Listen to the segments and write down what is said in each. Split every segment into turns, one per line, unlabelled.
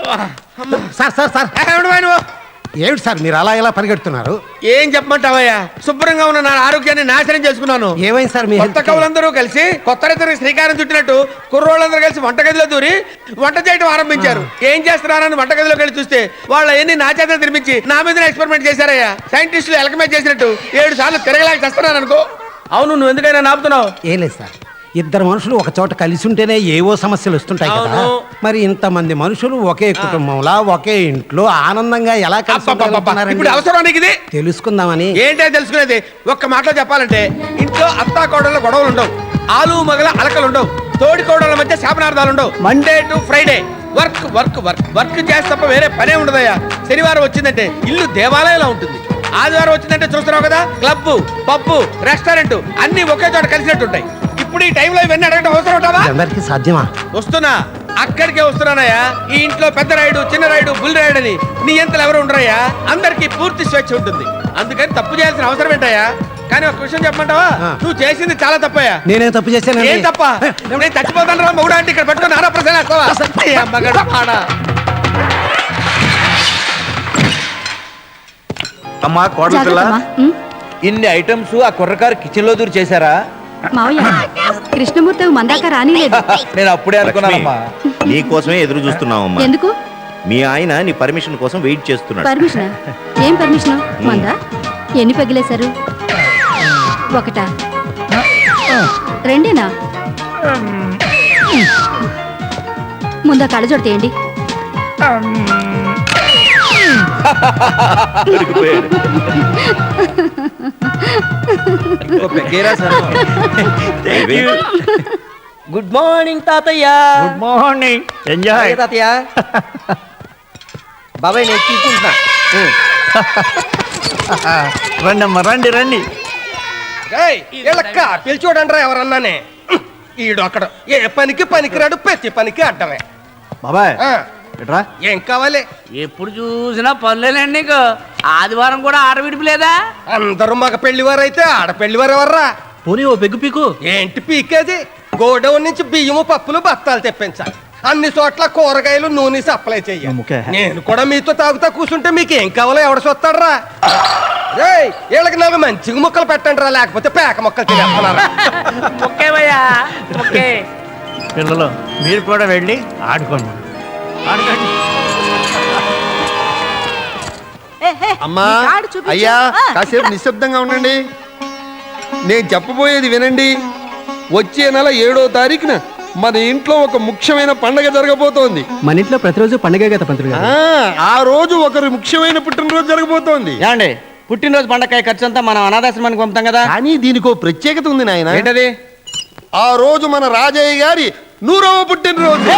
Sir sir sir ఏమిటి sir మీరు అలా ఎలా పరిగెడుతున్నారు?
ఏం చెప్పమంటావయ్యా, శుభ్రంగా ఉన్న నా ఆరోగ్యాన్ని నాశనం చేసుకున్నాను.
ఏమైంది సార్? మీ
కొత్త కవులందరూ కలిసి కొత్త రైతులకు శ్రీకారం చుట్టినట్టు కుర్రోళ్ళందరూ కలిసి వంటగదిలో దూరి వంట చేయడం ఆరంభించారు. ఏం చేస్తున్నారని వంటగదిలోకి వెళ్ళి చూస్తే వాళ్ళ ఎన్ని నా చేత తినిపించి నా మీద ఎక్స్పెరిమెంట్ చేశారయ్యా. సైంటిస్టులు ఎలకమేజ్ చేసినట్టు 7 సార్లు తిరగలేక చేస్తున్నాను అనుకో. అవును, నువ్వు ఎందుకైనా నాపుతున్నావు?
ఏం లేదు సార్, ఇద్దరు మనుషులు ఒక చోట కలిసి ఉంటేనే ఏవో సమస్యలు వస్తుంటాయి కదా. మరి ఇంతమంది మనుషులు ఒకే కుటుంబంలా ఒకే ఇంట్లో ఆనందంగా ఎలా
ఇప్పుడు అవసరానికి ఇది
తెలుసుకుందామని.
ఏంటో తెలుసుకునేది? ఒక్క మాటలో చెప్పాలంటే ఇంట్లో అత్తా కోడళ్ళ గొడవలు ఉండవు, ఆలు మగల అలకలు ఉండవు, తోడి కోడళ్ళ మధ్య శాపనార్థాలు ఉండవు. Monday to Friday work work work work చేస్తే తప్ప వేరే పనే ఉండదయ్యా. శనివారం వచ్చిందంటే ఇల్లు దేవాలయంలో ఉంటుంది. ఆదివారం వచ్చిందంటే చూస్తున్నావు కదా, క్లబ్ పబ్బు రెస్టారెంట్ అన్ని ఒకే చోట కలిసినట్టు ఉంటాయి. ఇప్పుడు ఈ టైంలో ఇవన్నీ అడగడం అవసరం ఉంటావా?
అందరికీ సాధ్యమా?
వస్తున్నా, అక్కడికే వస్తున్నానయ్యా. ఈ ఇంట్లో పెద్ద రాయుడు చిన్న రాయుడు బుల్ రాయుడు అని నీ ఎంతలు ఎవరు ఉండరయ్యా. అందరికి పూర్తి స్వేచ్ఛ ఉంటుంది. అందుకని తప్పు చేయాల్సిన అవసరం ఏంటయ్యా? కానీ ఒక విషయం చెప్పమంటావా, నువ్వు చేసింది చాలా తప్పయ్యా.
నేనే తప్పు చేశాను?
ఏం తప్ప? నేను చచ్చిపోతాను రా మౌడా అంటే ఇక్కడ పెట్టుకుని ఆరా ప్రశ్న
అమ్మా కోడల పిల్ల, ఇన్ని ఐటమ్స్ ఆ కుర్రకారు కిచెన్ లో దూరి చేశారా?
మావయ్య, కృష్ణమూర్తి మందాక రానిలేదు.
నేను అప్పుడే అనుకున్నానమ్మా.
నీ కోసమే ఎదురు చూస్తున్నావమ్మా.
ఎందుకు?
మీ ఆయన నీ పర్మిషన్ కోసం వెయిట్ చేస్తున్నాడు.
పర్మిషన్? ఏం పర్మిషన్? మందా ఎన్ని పగిలేశారు? ఒకటా రెండేనా? ముందా కళ్ళజోడు తీయండి.
గుడ్ మార్నింగ్ తాతయ్య.
Good morning. ఎంజాయ్
తాతయ్య. బాబాయ్ నేను తీసుకుంటున్నా.
రండి అమ్మా, రండి రండి.
పిలిచోడండ్రా ఎవరన్నానే. ఈడు అక్కడ ఏ పనికి పనికిరాడు, ప్రతి పనికి అడ్డమే.
బాబాయ్
ఏం కావాలి?
ఎప్పుడు చూసినా పనులేనండి నీకు. ఆదివారం కూడా ఆడ విడిపిలేదా?
అందరూ మగ పెళ్లివారు అయితే ఆడ పెళ్లివారు ఎవర్రా?
పోనీ ఓ పెగ్గు పీకు.
ఏంటి పీకేది? గోడౌన్ నుంచి బియ్యము పప్పులు బత్తాలు తెప్పించాలి. అన్ని చోట్ల కూరగాయలు నూనె సప్లై చెయ్యాలి. నేను కూడా మీతో తాగుతా కూర్చుంటే మీకు ఏం కావాలో ఎవడ చూస్తాడరా? వీళ్ళకి నాకు మంచిగా ముక్కలు పెట్టండి రా, లేకపోతే పేక ముక్కలు తినేస్తున్నారా?
పిల్లలు మీరు కూడా వెళ్ళి ఆడుకోండి.
అమ్మా అయ్యా, కాసేపు నిశ్శబ్దంగా ఉండండి. నేను చెప్పబోయేది వినండి. వచ్చే నెల 7వ తారీఖున మన ఇంట్లో ఒక ముఖ్యమైన పండగ జరగబోతోంది.
మన ఇంట్లో ప్రతిరోజు పండగ కదా పంతులు గారు.
ఆ రోజు ఒకరు ముఖ్యమైన పుట్టినరోజు జరగబోతోంది.
ఏమండి, పుట్టినరోజు పండగ ఖర్చు అంతా మనం అనాథాశ్రమానికి పంపుతాం కదా.
కానీ దీనికి ప్రత్యేకత ఉంది నాయన.
ఏంటది?
ఆ రోజు మన రాజయ్య గారి 100వ పుట్టినరోజు.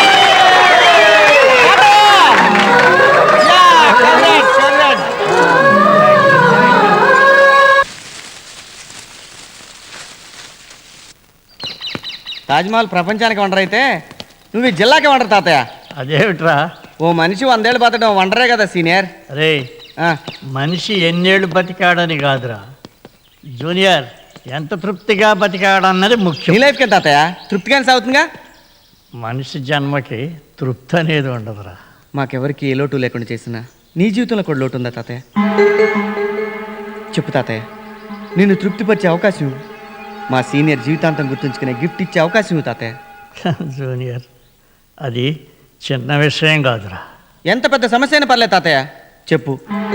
తాజ్మహల్ ప్రపంచానికి వండర్ అయితే నువ్వు ఈ జిల్లాకి వండరు తాతయ్య.
అదేమిట్రా,
ఓ మనిషి 100 ఏళ్ళు బతకడం వండరే కదా సీనియర్.
అరే మనిషి ఎన్నేళ్ళు బతికాడని కాదురా జూనియర్, ఎంత తృప్తిగా బతికాడన్నది ముఖ్యం.
నీ లైఫ్కి తాతయ్య తృప్తిగానే సాగుతుందిగా.
మనిషి జన్మకి తృప్తి అనేది ఉండదురా.
మాకెవరికి ఏ లోటు లేకుండా చేసినా నీ జీవితంలో కూడా లోటు ఉందా తాతయ్య? చెప్పు తాతయ్య, నిన్ను తృప్తిపరిచే అవకాశం ఇవ్వు. మా సీనియర్ జీవితాంతం గుర్తుంచుకునే గిఫ్ట్ ఇచ్చే అవకాశం ఇవ్వు తాతయ్య.
జూనియర్, అది చిన్న విషయం కాదురా.
ఎంత పెద్ద సమస్య అయినా పర్లేదు తాతయ్య, చెప్పు.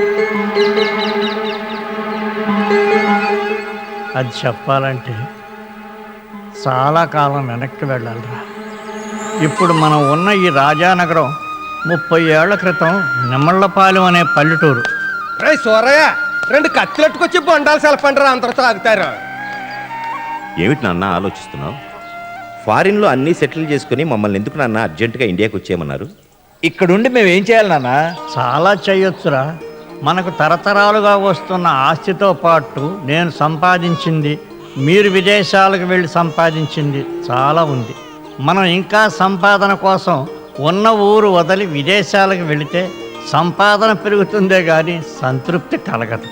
అది చెప్పాలంటే చాలా కాలం వెనక్కి వెళ్ళాలిరా. ఇప్పుడు మనం ఉన్న ఈ రాజానగరం 30 ఏళ్ల క్రితం నిమ్మళ్ళపాలెం అనే పల్లెటూరు.
సోరయ్య, 2 కత్తులట్టుకొచ్చి బొండాలు సెలపండి, అందరితో ఆగుతారు.
ఏమిటి నాన్న ఆలోచిస్తున్నావు? ఫారిన్లో అన్నీ సెటిల్ చేసుకుని మమ్మల్ని ఎందుకు నాన్న అర్జెంటుగా ఇండియాకి వచ్చేయమన్నారు?
ఇక్కడుండి మేము ఏం చేయాలి నాన్న?
చాలా చేయొచ్చురా. మనకు తరతరాలుగా వస్తున్న ఆస్తితో పాటు నేను సంపాదించింది, మీరు విదేశాలకు వెళ్ళి సంపాదించింది చాలా ఉంది. మనం ఇంకా సంపాదన కోసం ఉన్న ఊరు వదిలి విదేశాలకు వెళితే సంపాదన పెరుగుతుందే కానీ సంతృప్తి కలగదు.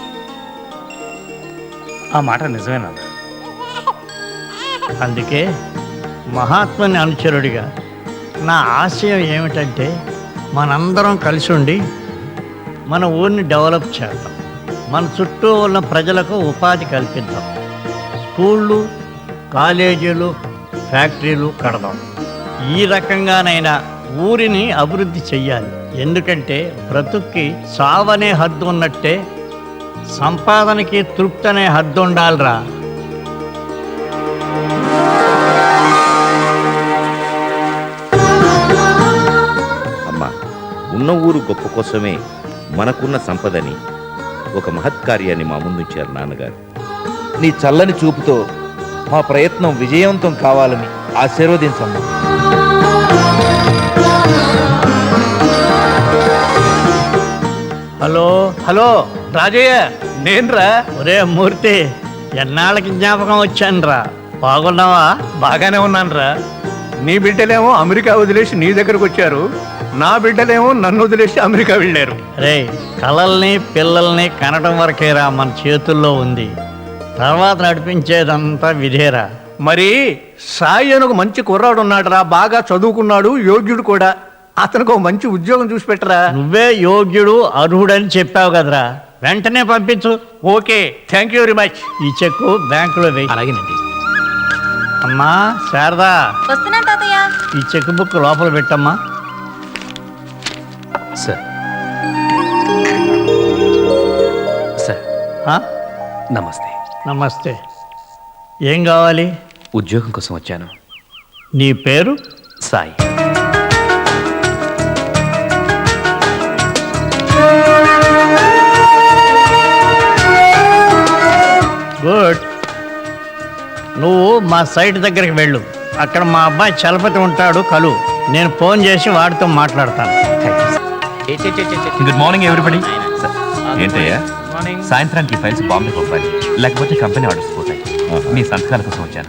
ఆ మాట నిజమేనా?
అందుకే మహాత్ముని అనుచరుడిగా నా ఆశయం ఏమిటంటే మనందరం కలిసి ఉండి మన ఊరిని డెవలప్ చేద్దాం. మన చుట్టూ ఉన్న ప్రజలకు ఉపాధి కల్పిద్దాం. స్కూళ్ళు, కాలేజీలు, ఫ్యాక్టరీలు కడదాం. ఈ రకంగానైనా ఊరిని అభివృద్ధి చెయ్యాలి. ఎందుకంటే బ్రతుక్కి సావనే హద్దు ఉన్నట్టే సంపాదనకి తృప్తి అనే హద్దు ఉండాలిరా.
అమ్మా, ఉన్న ఊరు గొప్ప కోసమే మనకున్న సంపదని ఒక మహత్కార్యాన్ని మా ముందుంచారు నాన్నగారు.
నీ చల్లని చూపుతో మా ప్రయత్నం విజయవంతం కావాలని ఆశీర్వదించమ్మా.
హలో
హలో రాజయ్య, నేనురా.
ఒరే మూర్తి, ఎన్నాళ్ళకి జ్ఞాపకం వచ్చానురా. బాగున్నావా?
బాగానే ఉన్నానురా. నీ బిడ్డలేమో అమెరికా వదిలేసి నీ దగ్గరకు వచ్చారు, నా బిడ్డలేమో నన్ను వదిలేసి అమెరికా వెళ్ళారు.
రే, కలల్ని పిల్లల్ని కనడం వరకేరా మన చేతుల్లో ఉంది. తర్వాత నడిపించేదంతా విధేరా.
మరి సాయి అని ఒక మంచి కుర్రాడు ఉన్నాడురా, బాగా చదువుకున్నాడు, యోగ్యుడు కూడా. అతనికి ఒక మంచి ఉద్యోగం చూసి పెట్టరా.
నువ్వే యోగ్యుడు అర్హుడని చెప్పావు కదరా, వెంటనే పంపించు.
Okay, thank you very much.
ఈ చెక్కు బ్యాంకులో వేయి.
అలాగేనండి.
అమ్మా శారదా,
వస్తున్నా తాతయ్య.
ఈ చెక్ బుక్ లోపల పెట్టమ్మా.
సార్ సార్
ఆ?
నమస్తే.
నమస్తే. ఏం కావాలి?
ఉద్యోగం కోసం వచ్చాను.
నీ పేరు?
సాయి.
గుడ్. నువ్వు మా సైట్ దగ్గరికి వెళ్ళు. అక్కడ మా అబ్బాయి చలపతి ఉంటాడు, కలు. నేను ఫోన్ చేసి వాడితో మాట్లాడతాను.
Good morning everybody. ఏంటయ్యా, సాయంత్రానికి ఫైల్స్ బాంబే పంపాలి, లేకపోతే కంపెనీ ఆర్డర్స్ పోతాయి. మీ సంతకాల కోసం వచ్చాను.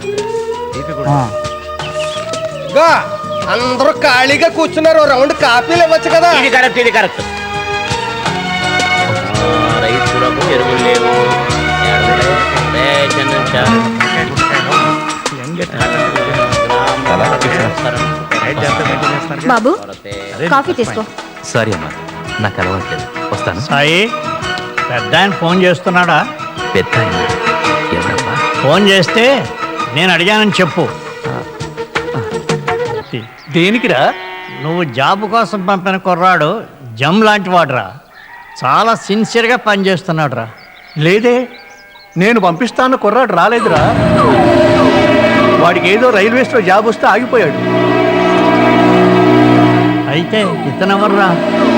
అందరూ ఖాళీగా కూర్చున్నారు, రౌండ్ కాపీలు ఇవ్వచ్చు కదా.
ఇది కరెక్ట్, ఇది కరెక్ట్. రైతులకు ఎరువులు లేవు,
బాబు, కాఫీ తీసుకో.
సారీ అమ్మా, నాకు అలవాట్లేదు. వస్తాను.
సాయి, పెద్ద ఆయన ఫోన్ చేస్తున్నాడా?
పెద్ద ఆయన ఎవరమ్మా?
ఫోన్ చేస్తే నేను అడిగానని చెప్పు.
దేనికిరా?
నువ్వు జాబ్ కోసం పంపిన కుర్రాడు జమ్ లాంటి వాడురా. చాలా సిన్సియర్గా పనిచేస్తున్నాడు రా.
లేదే, నేను పంపిస్తాను కుర్రాడు రాలేదురా. వాడికి ఏదో రైల్వేస్లో జాబ్ వస్తే ఆగిపోయాడు.
అయితే ఇతనెవర్రా?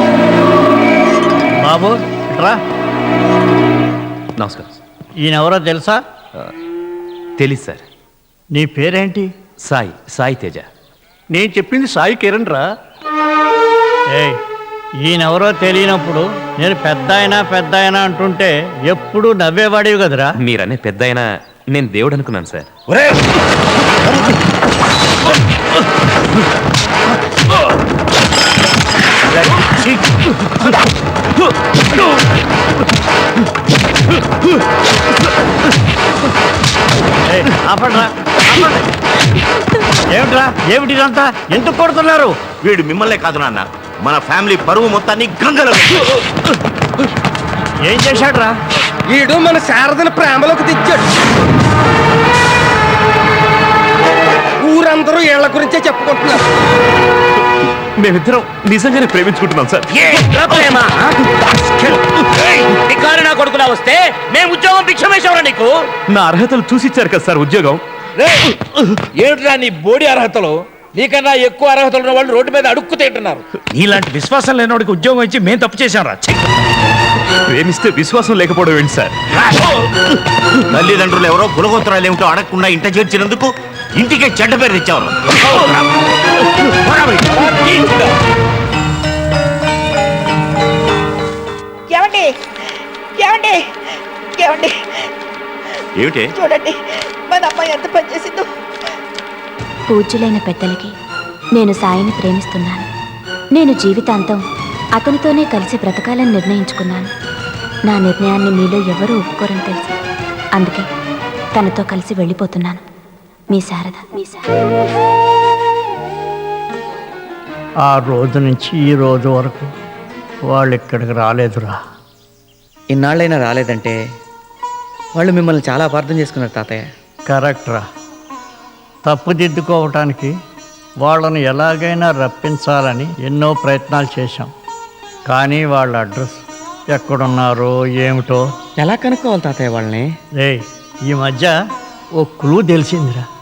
బాబు రా.
నమస్కారం.
ఈయనెవరో తెలుసా?
తెలీదు సార్.
నీ పేరేంటి?
సాయి, సాయి తేజ.
నేను చెప్పింది సాయి కిరణ్ రా.
ఏయ్, ఈయనెవరో తెలియనప్పుడు నేను పెద్ద అయినా అంటుంటే ఎప్పుడు నవ్వేవాడివి కదరా.
మీరనే పెద్ద అయినా నేను దేవుడు అనుకున్నాను సార్.
ఆపండ్రా, ఆపండి. ఏమిట్రా, ఏమిటిదంతా? ఎందుకు కొడుతున్నారు?
వీడు మిమ్మల్నే కాదు నాన్న, మన ఫ్యామిలీ పరువు మొత్తాన్ని గంగలో.
ఏం చేశాడురా?
వీడు మన శారదను ప్రేమలోకి తెచ్చాడు. ఊరందరూ వీళ్ళ గురించే చెప్పుకుంటున్నారు.
మేమిద్దరం నిజంగానే ప్రేమించుకుంటున్నాం సార్.
నా కొడుకులా వస్తే మేము ఉద్యోగం భిక్షమేశావురా నీకు.
నా అర్హతలు చూసిచ్చారు కదా సార్ ఉద్యోగం.
ఏమిట్రా నీ బోడి అర్హతలు? నీకన్నా ఎక్కువ అర్హతలు ఉన్న వాళ్ళు రోడ్డు మీద అడుక్కు తింటున్నారు.
నీలాంటి విశ్వాసం లేనివాడికి ఉద్యోగం ఇచ్చి మేము తప్పు చేశాం రా.
ప్రేమిస్తే విశ్వాసం లేకపోవడం ఏంటి సార్?
తల్లిదండ్రులు ఎవరో కులగోత్రాలు ఏమిటో అడగకుండా ఇంట చేర్చినందుకు ఇంటికే చెడ్డ పేరు తెచ్చారు.
ఏమండి ఏమండి ఏమండి
ఏమిటి?
చూడండి, మన అమ్మాయి ఎంత పనిచేసిందో.
పూజ్యులైన పెద్దలకి నేను సాయిని ప్రేమిస్తున్నాను. నేను జీవితాంతం అతనితోనే కలిసి బ్రతకాలని నిర్ణయించుకున్నాను. నా నిర్ణయాన్ని మీలో ఎవరూ ఒప్పుకోరని తెలుసు. అందుకే తనతో కలిసి వెళ్ళిపోతున్నాను. మీ శారద.
ఆ రోజు నుంచి ఈ రోజు వరకు వాళ్ళు ఇక్కడికి రాలేదురా.
ఇన్నాళ్ళైనా రాలేదంటే వాళ్ళు మిమ్మల్ని చాలా అపార్థం చేసుకున్నారు తాతయ్య.
కరెక్ట్ రా. తప్పుదిద్దుకోవటానికి వాళ్ళని ఎలాగైనా రప్పించాలని ఎన్నో ప్రయత్నాలు చేశాం. కానీ వాళ్ళ అడ్రస్ ఎక్కడున్నారో ఏమిటో
ఎలా కనుక్కోవాలి తాతయ్య వాళ్ళని?
రే, ఈ మధ్య ఓ క్లూ తెలిసిందిరా.